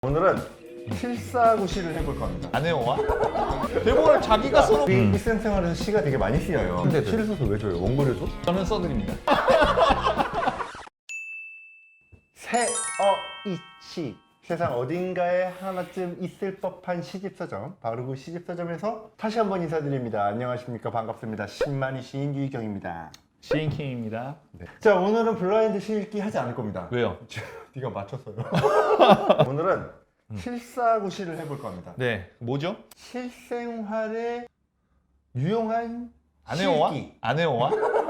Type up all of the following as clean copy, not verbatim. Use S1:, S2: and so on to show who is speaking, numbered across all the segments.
S1: 오늘은 실사구시를 해볼 겁니다.
S2: 안 해요? 대본을 자기가 써놓고
S1: 우리 일상생활에서 시가 되게 많이 쓰여요. 근데 시를 써서 왜 줘요? 원고를 줘?
S2: 저는 써드립니다.
S1: 새어이치 세상 어딘가에 하나쯤 있을 법한 시집서점 바로 그 시집서점에서 다시 한번 인사드립니다. 안녕하십니까, 반갑습니다. 신만이 시인 유희경입니다.
S2: 시인킹입니다.
S1: 네. 자, 오늘은 블라인드 시 읽기 하지 않을 겁니다.
S2: 왜요?
S1: 네가 맞췄어요. 오늘은 실사구시를 해볼 겁니다.
S2: 네, 뭐죠?
S1: 실생활에 유용한
S2: 안 해요?
S1: 실기.
S2: 안 해요?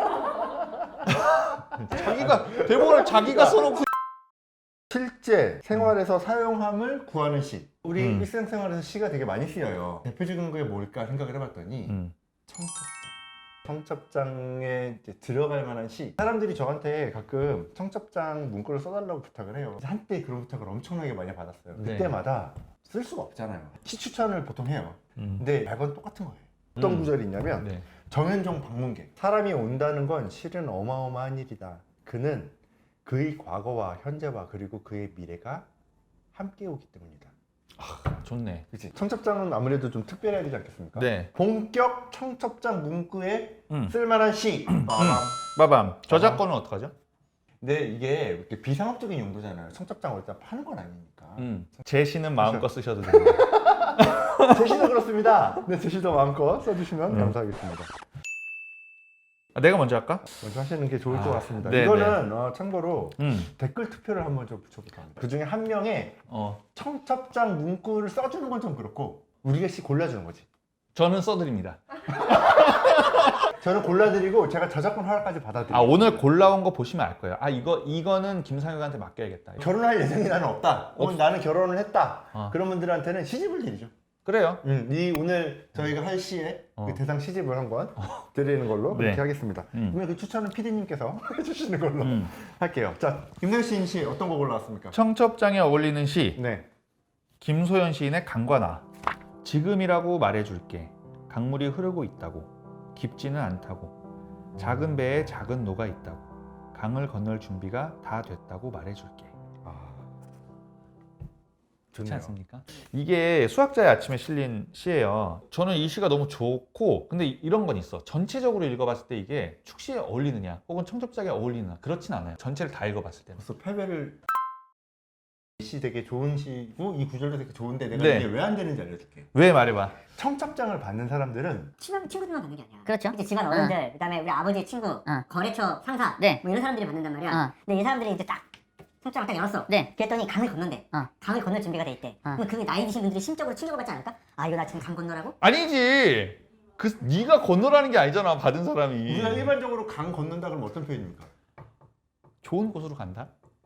S2: 자기가 대본을 자기가 써놓고
S1: 실제 생활에서 사용함을 구하는 시. 우리
S2: 음.
S1: 일상생활에서 시가 되게 많이 쓰여요. 대표적인 게 뭘까 생각을 해봤더니 청첩장. 청첩장에 이제 들어갈 만한 시. 사람들이 저한테 가끔 청첩장 문구를 써달라고 부탁을 해요. 한때 그런 부탁을 엄청나게 많이 받았어요.
S2: 네.
S1: 그때마다 쓸 수가 없잖아요. 시 추천을 보통 해요. 근데 매번 똑같은 거예요. 어떤 구절이 있냐면
S2: 네.
S1: 정현종 방문객. 사람이 온다는 건 실은 어마어마한 일이다. 그는 그의 과거와 현재와 그리고 그의 미래가 함께 오기 때문이다.
S2: 좋네.
S1: 그치? 청첩장은 아무래도 좀 특별해야 되지 않겠습니까?
S2: 네.
S1: 본격 청첩장 문구에
S2: 음.
S1: 쓸만한 시.
S2: 빠밤. 저작권은 어떡하죠?
S1: 근데 이게 이렇게 비상업적인 용도잖아요. 청첩장 어디다 파는 건 아니니까.
S2: 제 시는 마음껏 쓰셔도 됩니다.
S1: 제시도 그렇습니다. 네, 제시도 마음껏 써주시면 감사하겠습니다.
S2: 내가 먼저 할까?
S1: 먼저 하시는 게 좋을 것 같습니다.
S2: 네,
S1: 이거는 참고로
S2: 음.
S1: 댓글 투표를 한번 좀 붙여볼까 합니다. 그 중에 한 명의
S2: 어.
S1: 청첩장 문구를 써주는 건 좀 그렇고 우리가 씨 골라주는 거지.
S2: 저는 써드립니다.
S1: 저는 골라드리고 제가 저작권 허락까지 받아드리고.
S2: 아, 오늘 골라온 거 보시면 알 거예요. 아, 이거는 김상혁한테 맡겨야겠다.
S1: 결혼할 예정이 나는 없다. 혹은 나는 결혼을 했다.
S2: 어.
S1: 그런 분들한테는 시집을 드리죠.
S2: 그래요.
S1: 이 오늘 저희가 할 시에 그 대상 시집을 한번 드리는 걸로
S2: 네.
S1: 그렇게 하겠습니다. 그러면 그 추천은 PD님께서 해주시는 걸로 할게요. 자, 김나연 시인 시 어떤 거 골라왔습니까?
S2: 청첩장에 어울리는 시.
S1: 네.
S2: 김소연 시인의 강과나. 지금이라고 말해줄게. 강물이 흐르고 있다고. 깊지는 않다고. 작은 배에 작은 노가 있다고. 강을 건널 준비가 다 됐다고 말해줄게. 좋지
S1: 좋네요.
S2: 않습니까? 이게 수학자의 아침에 실린 시예요. 저는 이 시가 너무 좋고, 근데 이런 건 있어. 전체적으로 읽어봤을 때 이게 축시에 어울리느냐 혹은 청첩장에 어울리느냐 그렇진 않아요. 전체를 다 읽어봤을 때는.
S1: 벌써 패배를. 이 시 되게 좋은 시고 이 구절도 되게 좋은데 내가
S2: 네.
S1: 이게 왜 안 되는지 알려줄게.
S2: 왜 말해봐.
S1: 청첩장을 받는 사람들은
S3: 친구들만 받는 게 아니야.
S4: 그렇죠.
S3: 이제 집안 어른들, 그다음에 우리 아버지의 친구, 거래처 상사,
S4: 네.
S3: 뭐 이런 사람들이 받는단 말이야. 근데 이 사람들이 이제 딱 청첩장을 딱 열었어.
S4: 네.
S3: 그랬더니 강을 건넌대.
S4: 어.
S3: 강을 건널 준비가 돼 있대. 그럼 그 나이 드신 분들이 심적으로 충격을 받지 않을까? 아, 이거 나 지금 강 건너라고?
S2: 아니지. 네가 건너라는 게 아니잖아. 받은 사람이.
S1: 우리가 일반적으로 강 건넌다 그러면 어떤 표현입니까?
S2: 좋은 곳으로 간다.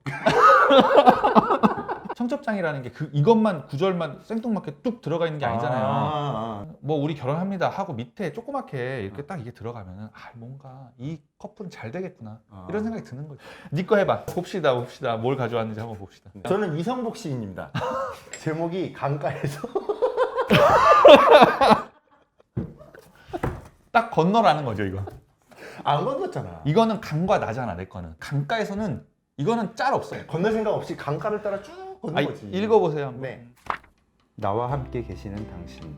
S2: 청첩장이라는 게 이것만 구절만 생뚱맞게 뚝 들어가 있는 게 아니잖아요. 뭐 우리 결혼합니다 하고 밑에 조그맣게 이렇게 딱 이게 들어가면은 뭔가 이 커플은 잘 되겠구나 이런 생각이 드는 거죠. 네 거 해봐. 봅시다 뭘 가져왔는지 한번 봅시다.
S1: 저는 이성복 시인입니다. 제목이 강가에서.
S2: 딱 건너라는 거죠 이거.
S1: 안 건넜잖아.
S2: 이거는 강과 나잖아. 내 거는 강가에서는 이거는 짤 없어요.
S1: 건널 생각 없이 강가를 따라 쭉 걷는 거지.
S2: 읽어보세요.
S1: 네. 나와 함께 계시는 당신.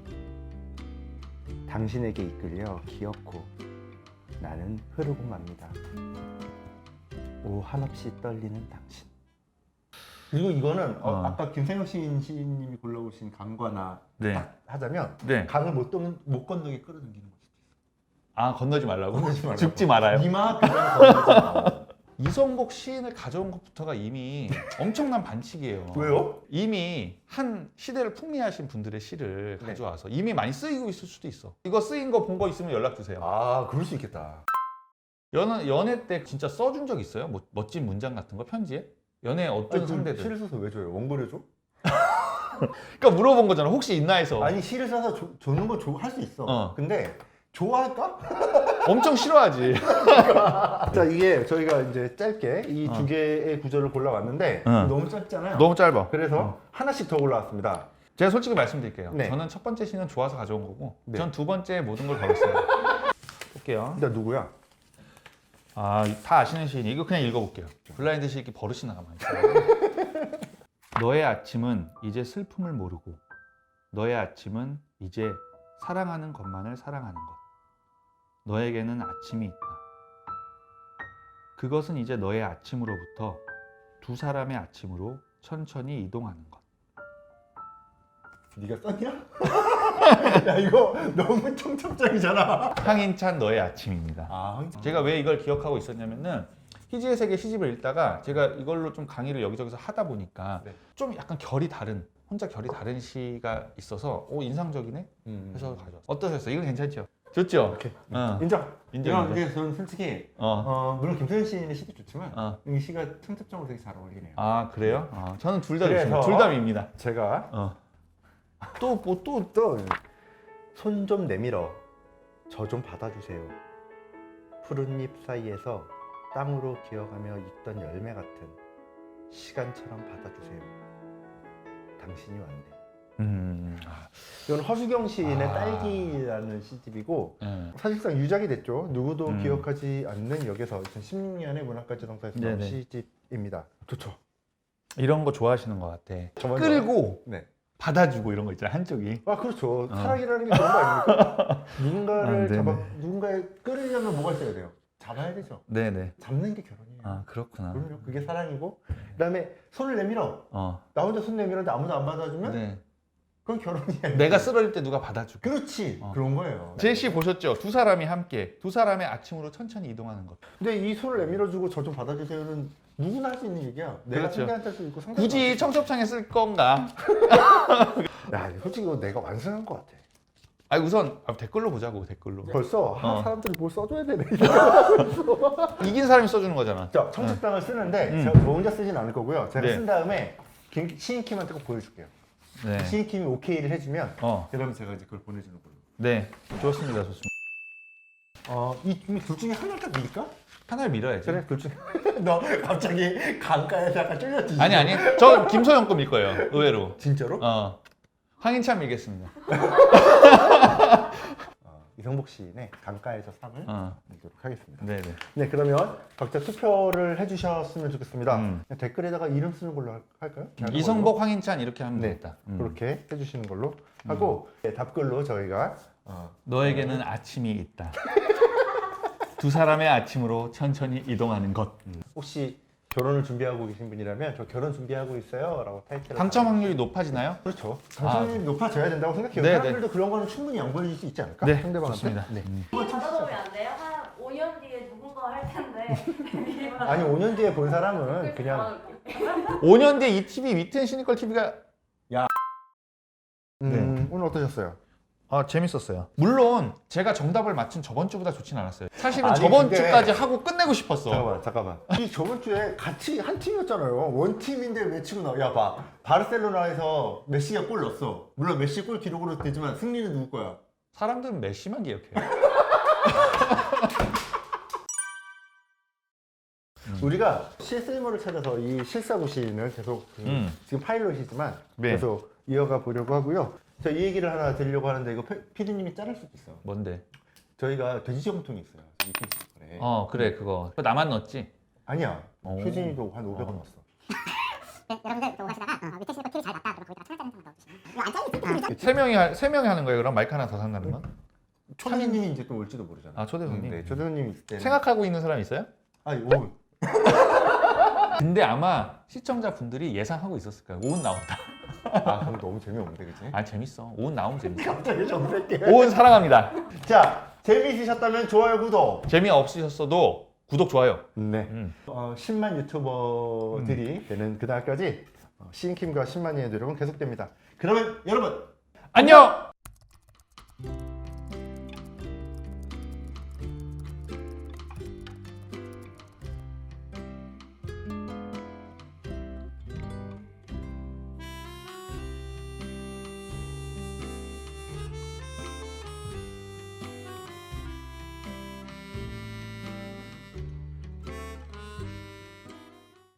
S1: 당신에게 이끌려 기어코 나는 흐르고 갑니다. 오, 한없이 떨리는 당신. 그리고 이거는 아까 김생혁 시인님이 골라오신 강과 나
S2: 네.
S1: 딱 하자면
S2: 네.
S1: 강을 못 건너게 끌어당기는 거지.
S2: 아 건너지 말라고?
S1: 건너지 말라고.
S2: 죽지 말아요.
S1: 이마 그냥 건너지 마.
S2: 이성복 시인을 가져온 것부터가 이미 엄청난 반칙이에요.
S1: 왜요?
S2: 이미 한 시대를 풍미하신 분들의 시를
S1: 네.
S2: 가져와서 이미 많이 쓰이고 있을 수도 있어. 이거 쓰인 거 본 거 있으면 연락 주세요.
S1: 아, 그럴 수 있겠다.
S2: 연애 때 진짜 써준 적 있어요? 뭐 멋진 문장 같은 거 편지에? 연애 어떤 상대들?
S1: 시를 써서 왜 줘요? 원고를 줘?
S2: 그러니까 물어본 거잖아. 혹시 있나 해서.
S1: 아니, 시를 써서 주는 건 할 수 있어. 근데 좋아할까?
S2: 엄청 싫어하지.
S1: 자, 이게 저희가 이제 짧게 이 두 개의 구절을 골라왔는데 너무 짧잖아요.
S2: 너무 짧아.
S1: 그래서 하나씩 더 골라왔습니다.
S2: 제가 솔직히 말씀드릴게요.
S1: 네.
S2: 저는 첫 번째 시는 좋아서 가져온 거고,
S1: 네.
S2: 전 두 번째 모든 걸 걸었어요. 볼게요.
S1: 일단 누구야?
S2: 다 아시는 시인이 이거 그냥 읽어볼게요. 블라인드 시 읽기 버릇이 나가만 있어요. 너의 아침은 이제 슬픔을 모르고 너의 아침은 이제 사랑하는 것만을 사랑하는 것. 너에게는 아침이 있다. 그것은 이제 너의 아침으로부터 두 사람의 아침으로 천천히 이동하는 것.
S1: 네가 썼냐? 야 이거 너무 청첩장이잖아.
S2: 황인찬 너의 아침입니다.
S1: 아,
S2: 제가 왜 이걸 기억하고 있었냐면은 희지의 세계 시집을 읽다가 제가 이걸로 좀 강의를 여기저기서 하다 보니까
S1: 네.
S2: 좀 약간 결이 다른 혼자 결이 다른 시가 있어서 오 인상적이네 해서 가져왔어요. 어떠셨어요? 이건 괜찮죠? 좋죠?
S1: 오케이.
S2: 어.
S1: 인정.
S2: 인정.
S1: 근데 저는 솔직히 물론 김소연 시인의 시도 좋지만 이 시가 청첩장으로 되게 잘 어울리네요.
S2: 아 그래요? 저는 둘 다
S1: 그래서
S2: 좋습니다. 둘 다 밉니다.
S1: 제가
S2: 또 뭐 또
S1: 손 좀 내밀어 저 좀 받아주세요. 푸른 잎 사이에서 땅으로 기어가며 익던 열매 같은 시간처럼 받아주세요. 당신이 왔네. 이건 허수경 시인의 딸기라는 시집이고
S2: 네.
S1: 사실상 유작이 됐죠. 누구도 기억하지 않는 역에서 2016년에 문학가지동사에서 나온
S2: 네네.
S1: 시집입니다. 좋죠.
S2: 이런 거 좋아하시는 것 같아.
S1: 저 먼저.
S2: 끌고
S1: 네.
S2: 받아주고 이런 거 있잖아 한쪽이.
S1: 아 그렇죠. 사랑이라는 게 그런 거 아닙니까? 누군가를
S2: 네네.
S1: 누군가를 끌으려면 뭐가 있어야 돼요? 잡아야 되죠.
S2: 네네.
S1: 잡는 게 결혼이에요.
S2: 아 그렇구나.
S1: 그럼요. 그게 사랑이고 그다음에 손을 내밀어. 나 혼자 손 내밀었는데 아무도 안 받아주면
S2: 네.
S1: 그건 결혼이야.
S2: 내가 쓰러질 때 누가 받아주고.
S1: 그렇지. 그런 거예요.
S2: 제시 보셨죠? 두 사람이 함께 두 사람의 아침으로 천천히 이동하는 것.
S1: 근데 이 손을 내밀어주고 저 좀 받아주세요는 누구나 할 수 있는 얘기야. 내가
S2: 그렇죠.
S1: 상대한테 할 수 있고 상대도
S2: 굳이
S1: 할 수 있고.
S2: 청첩장에 쓸 건가?
S1: 야 솔직히 이거 내가 완성한 것 같아.
S2: 아니 우선 댓글로 보자고 댓글로.
S1: 벌써 사람들이 뭘 써줘야 되네.
S2: 이긴 사람이 써주는 거잖아.
S1: 자, 청첩장을 쓰는데 제가 저 혼자 쓰진 않을 거고요. 제가
S2: 네.
S1: 쓴 다음에 시인킴한테 꼭 보여줄게요.
S2: 네.
S1: 시인킴이 오케이를 해주면
S2: 어.
S1: 그러면 제가 이제 그걸 보내주는 걸로.
S2: 네. 좋습니다. 좋습니다.
S1: 이둘 중에 하나를 딱 밀까?
S2: 하나를 밀어야지.
S1: 그래, 둘 중에. 너 갑자기 강가에서 약간 쫄렸지?
S2: 아니. 저 김소영 거밀 거예요. 의외로.
S1: 진짜로?
S2: 황인찬 밀겠습니다.
S1: 이성복 시인의 강가에서 상을 드리도록 하겠습니다.
S2: 네네.
S1: 네, 그러면 각자 투표를 해주셨으면 좋겠습니다.
S2: 음.
S1: 그냥 댓글에다가 이름 쓰는 걸로 할까요?
S2: 이성복, 황인찬 이렇게 하면
S1: 네,
S2: 되겠다.
S1: 그렇게 해주시는 걸로 하고 네, 답글로 저희가
S2: 너에게는 아침이 있다. 두 사람의 아침으로 천천히 이동하는 것.
S1: 혹시 결혼을 준비하고 계신 분이라면 저 결혼 준비하고 있어요 라고 타이틀을
S2: 당첨 확률이 높아지나요?
S1: 그렇죠. 당첨이 높아져야 된다고 생각해요.
S2: 네,
S1: 사람들도 그런 거는 충분히 양보해 줄 수 있지 않을까?
S2: 네,
S1: 상대방한테.
S2: 좋습니다.
S1: 네.
S4: 이거 받아보면 안 돼요? 한 5년 뒤에 누군가 할 텐데.
S1: 아니 5년 뒤에 본 사람은 그냥
S2: 5년 뒤에 이 TV 위튼 시니컬 TV가
S1: 오늘 어떠셨어요?
S2: 재밌었어요. 물론 제가 정답을 맞춘 저번 주보다 좋진 않았어요. 사실은
S1: 아니,
S2: 저번
S1: 근데-
S2: 주까지 하고 끝내고 싶었어.
S1: 잠깐만. 이 저번 주에 같이 한 팀이었잖아요. 원 팀인데 왜 치고 나와? 야 봐. 바르셀로나에서 메시가 골 넣었어. 물론 메시 골 기록으로 되지만 승리는 누구 거야?
S2: 사람들은 메시만 기억해요.
S1: 우리가 실세모를 찾아서 이 실사구 시인을 계속 지금 파일럿이지만
S2: 네.
S1: 계속 이어가 보려고 하고요. 저 이 얘기를 하나 드리려고 하는데 이거 피디님이 자를 수도 있어.
S2: 뭔데?
S1: 저희가 돼지저금통이 있어요. 이 페이스북에.
S2: 그래 그거. 그거 나만 넣었지?
S1: 아니야.
S2: 오.
S1: 효진이도 한 500원 넣었어.
S3: 네, 여러분들 또 가시다가 밑에 시니까 TV 잘 났다. 그럼 거기다가 천원짜리 넣어주시면 이거 안 잘리지?
S2: 세 명이 하는 거예요. 그럼 마이크 하나 더 산다는 건?
S1: 초대님이 이제 또 올지도 모르잖아.
S2: 초대손님.
S1: 네, 초대손님 있을 때는.
S2: 생각하고 있는 사람 있어요?
S1: 아니, 오.
S2: 근데 아마 시청자분들이 예상하고 있었을 거예요. 오은 나온다.
S1: 그럼 너무 재미없는데, 그치?
S2: 재밌어. 오은 나오면 재밌어.
S1: 갑자기 정색해.
S2: 오은 사랑합니다.
S1: 자, 재미있으셨다면 좋아요, 구독.
S2: 재미없으셨어도 구독, 좋아요.
S1: 네. 10만 유튜버들이 되는 그날까지 시인킴과 10만이의 노력은 계속됩니다. 그러면 여러분
S2: 안녕!